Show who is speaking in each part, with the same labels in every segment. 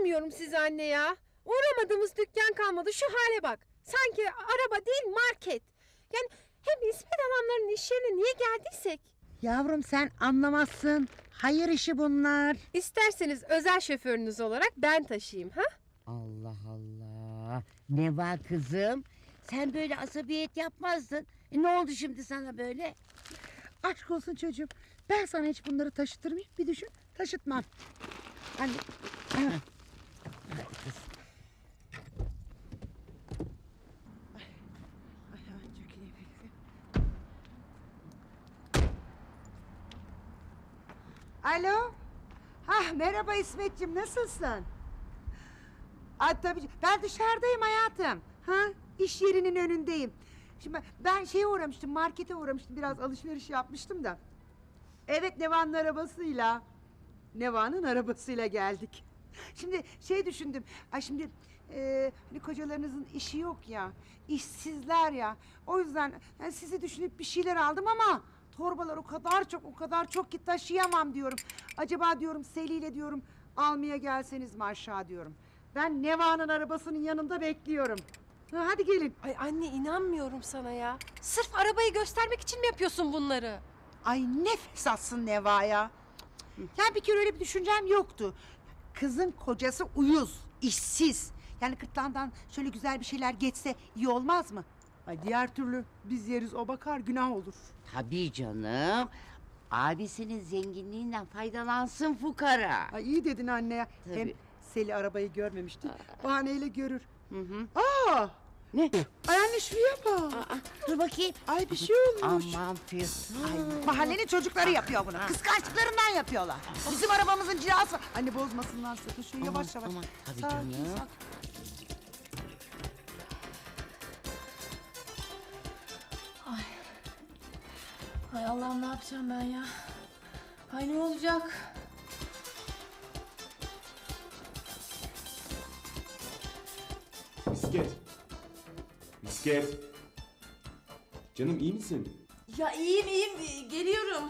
Speaker 1: İnanmıyorum size anne ya. Uğramadığımız dükkan kalmadı, şu hale bak. Sanki araba değil market. Yani hem İsmet adamların iş yerine niye geldiysek?
Speaker 2: Yavrum sen anlamazsın. Hayır işi bunlar.
Speaker 1: İsterseniz özel şoförünüz olarak ben taşıyayım ha?
Speaker 2: Allah Allah. Ne var kızım? Sen böyle asabiyet yapmazdın. Ne oldu şimdi sana böyle? Aşk olsun çocuğum. Ben sana hiç bunları taşıtır mıyım? Bir düşün. Taşıtmam. Hani... Hadi kız.
Speaker 3: Alo. Merhaba İsmetciğim, nasılsın? Tabii ben dışarıdayım hayatım. İş yerinin önündeyim. Şimdi ben şeye uğramıştım, markete uğramıştım, biraz alışveriş yapmıştım da. Evet, Neva'nın arabasıyla geldik. Şimdi şey düşündüm. Şimdi hani kocalarınızın işi yok ya, işsizler ya. O yüzden yani sizi düşünüp bir şeyler aldım ama torbalar o kadar çok ki taşıyamam diyorum. Acaba diyorum Seli'yle diyorum almaya gelseniz mi aşağı diyorum. Ben Neva'nın arabasının yanında bekliyorum. Hadi gelin.
Speaker 1: Ay anne inanmıyorum sana ya. Sırf arabayı göstermek için mi yapıyorsun bunları?
Speaker 3: Ay ne fesatsın Neva ya. Ya bir kere öyle bir düşüncem yoktu. Kızın kocası uyuz, işsiz. Yani kırtlağından şöyle güzel bir şeyler geçse iyi olmaz mı? Ay diğer türlü biz yeriz, o bakar, günah olur.
Speaker 2: Tabii canım. Abisinin zenginliğinden faydalansın fukara.
Speaker 3: Ay iyi dedin anne ya.
Speaker 2: Tabii.
Speaker 3: Hem Seli arabayı görmemişti. Bahaneyle görür.
Speaker 2: Hı.
Speaker 3: Ne? Ay anne şuraya bak.
Speaker 2: Dur bakayım.
Speaker 3: Ay bir şey olmuş.
Speaker 2: Aman Füsun.
Speaker 3: Mahallenin çocukları yapıyor bunu. Kıskançlıklarından yapıyorlar. Bizim arabamızın cilası var. Anne bozmasınlar sakın. Şöyle yavaş yavaş.
Speaker 2: Aman, tabii
Speaker 3: Sakin,
Speaker 2: canım.
Speaker 3: sakin.
Speaker 4: Ay Allah'ım ne yapacağım ben ya? Ay ne olacak?
Speaker 5: Misket. Misket. Canım iyi misin?
Speaker 4: Ya iyiyim geliyorum.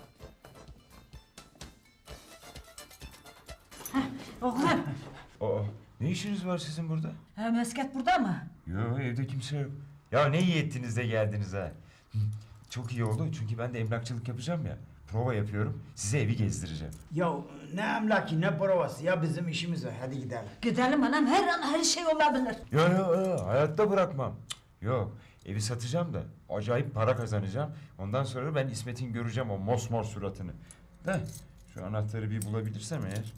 Speaker 6: Oğlum,
Speaker 7: Aa, ne işiniz var sizin burada?
Speaker 6: Mesket burada mı?
Speaker 7: Yok, evde kimse yok. Ya ne iyi ettiniz de geldiniz ha. Çok iyi oldu çünkü ben de emlakçılık yapacağım ya. Prova yapıyorum, size evi gezdireceğim.
Speaker 8: Ya ne emlaki ne provası ya, bizim işimiz var, hadi gidelim.
Speaker 6: Gidelim anam, her an her şey olabilir.
Speaker 7: Ya, hayatta bırakmam. Cık, yok, evi satacağım da acayip para kazanacağım. Ondan sonra ben İsmet'in göreceğim o mosmor suratını. Da şu anahtarı bir bulabilirsem eğer.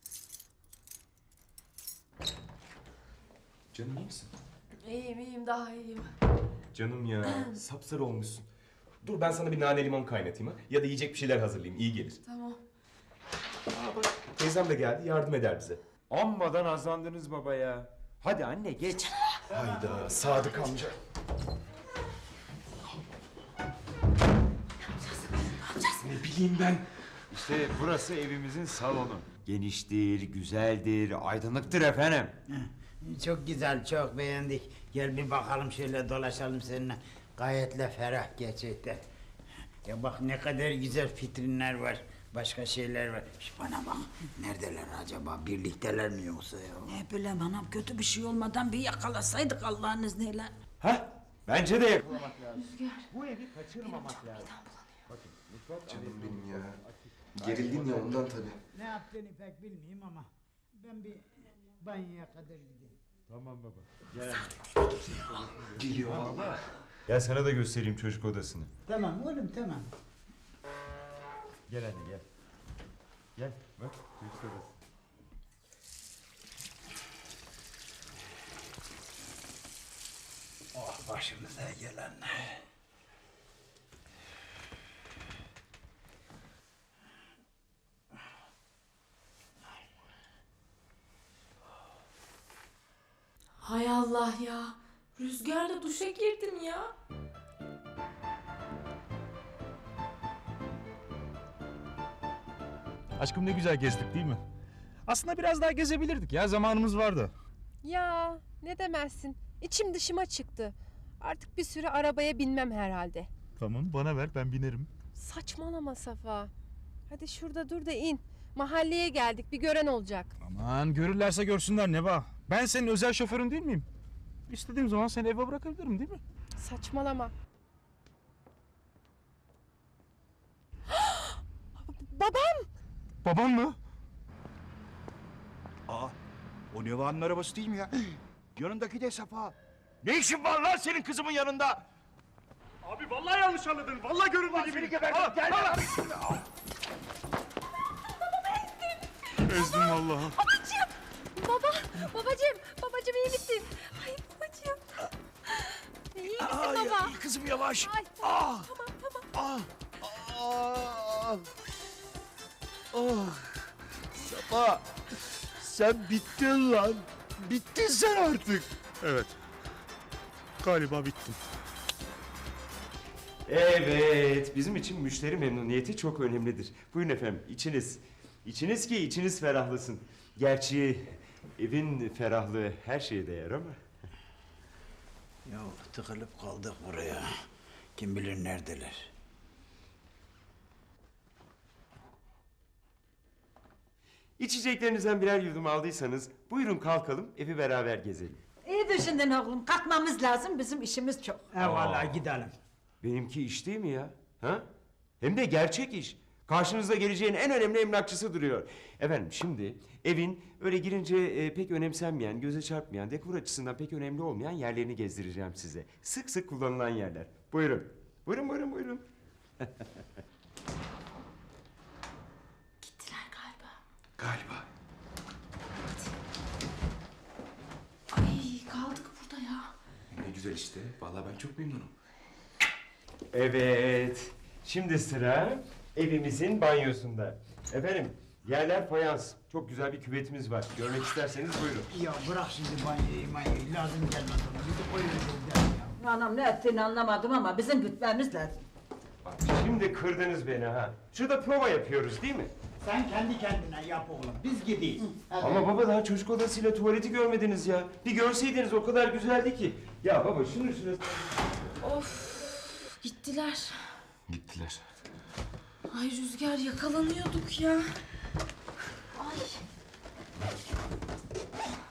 Speaker 5: Canım iyi misin?
Speaker 4: İyiyim daha iyiyim.
Speaker 5: Canım ya sapsarı olmuşsun. Dur ben sana bir nane limon kaynatayım ha. Ya da yiyecek bir şeyler hazırlayayım, iyi gelir.
Speaker 4: Tamam.
Speaker 5: Bak teyzem de geldi, yardım eder bize.
Speaker 7: Amma azlandınız baba ya. Hadi anne geç.
Speaker 5: Hayda Sadık amca. Ne bileyim ben.
Speaker 7: İşte burası evimizin salonu. Geniştir, güzeldir, aydınlıktır efendim.
Speaker 8: Çok güzel, çok beğendik. Gel bir bakalım, şöyle dolaşalım seninle. Gayetle ferah gerçekten. Ya bak ne kadar güzel vitrinler var. Başka şeyler var. Bana bak, neredeler acaba? Birlikteler mi yoksa ya?
Speaker 6: Ne bileyim anam, kötü bir şey olmadan bir yakalasaydık Allah'ın izniyle.
Speaker 7: Ha? Bence de yakalamak lazım.
Speaker 8: Bu evi kaçırmamak lazım.
Speaker 5: Canım benim ya. Gerildim ya ondan tabii.
Speaker 8: Ne yaptığını pek bilmeyeyim ama ben bir banyoya kadar gideyim.
Speaker 7: Tamam baba. Gel.
Speaker 5: Geliyor valla.
Speaker 7: Gel sana da göstereyim çocuk odasını.
Speaker 8: Tamam oğlum, tamam.
Speaker 7: Gel anne gel. Gel bak çocuk odası.
Speaker 8: Oh, başımıza gelenler.
Speaker 4: Hay Allah ya. Rüzgarla duşa girdim ya.
Speaker 9: Aşkım ne güzel gezdik değil mi? Aslında biraz daha gezebilirdik ya, zamanımız vardı.
Speaker 1: Ya ne demezsin. İçim dışıma çıktı. Artık bir süre arabaya binmem herhalde.
Speaker 9: Tamam, bana ver, ben binerim.
Speaker 1: Saçmalama Safa. Hadi şurada dur da in. Mahalleye geldik, bir gören olacak.
Speaker 9: Aman görürlerse görsünler Neva. Ben senin özel şoförün değil miyim? İstediğim zaman seni eve bırakabilirim değil mi?
Speaker 1: Saçmalama. Babam!
Speaker 9: Babam mı?
Speaker 10: Aa, o Neva'nın arabası değil mi ya? Yanındaki de Safa. Ne işin var lan senin kızımın yanında?
Speaker 9: Abi vallahi yanlış anladın. Vallahi görünme gibi.
Speaker 10: Gel lan.
Speaker 9: Ezdim vallahi.
Speaker 1: Babacığım iyi misin? Ay babacığım. İyi misin baba?
Speaker 10: Kızım yavaş.
Speaker 1: Ay,
Speaker 10: Ah,
Speaker 1: tamam.
Speaker 10: Safa, sen bittin lan. Bittin sen artık.
Speaker 9: Evet. Galiba bittim.
Speaker 5: Evet, bizim için müşteri memnuniyeti çok önemlidir. Buyurun efendim, içiniz. İçiniz ki içiniz ferahlasın. Gerçi evin ferahlığı her şeye değer ama.
Speaker 8: Ya tıkılıp kaldık buraya. Kim bilir neredeler.
Speaker 5: İçeceklerinizden birer yudum aldıysanız buyurun kalkalım, evi beraber gezelim.
Speaker 6: İyi düşündün oğlum. Kalkmamız lazım. Bizim işimiz çok.
Speaker 8: Vallahi gidelim.
Speaker 5: Benimki iş değil mi ya? Ha? Hem de gerçek iş. Karşınızda geleceğin en önemli emlakçısı duruyor. Efendim şimdi evin öyle girince pek önemsenmeyen, göze çarpmayan, dekor açısından pek önemli olmayan yerlerini gezdireceğim size. Sık sık kullanılan yerler. Buyurun. Buyurun.
Speaker 4: Gittiler galiba.
Speaker 5: Galiba.
Speaker 4: Ay kaldık burada ya.
Speaker 5: Ne güzel işte. Vallahi ben çok memnunum. Evet. Şimdi sıra evimizin banyosunda. Efendim yerler fayans. Çok güzel bir küvetimiz var. Görmek isterseniz buyurun.
Speaker 8: Ya bırak şimdi banyoyu lazım gelmez ona. Bir de koyuyoruz ya.
Speaker 6: Anam ne ettiğini anlamadım ama bizim gitmemiz lazım.
Speaker 5: Bak şimdi kırdınız beni ha. Şurada prova yapıyoruz değil mi?
Speaker 8: Sen kendi kendine yap oğlum. Biz gideyiz. Hadi.
Speaker 5: Ama baba daha çocuk odasıyla tuvaleti görmediniz ya. Bir görseydiniz o kadar güzeldi ki. Ya baba şunu.
Speaker 4: Of gittiler.
Speaker 5: Gittiler.
Speaker 4: Ay Rüzgar yakalanıyorduk ya. Ay.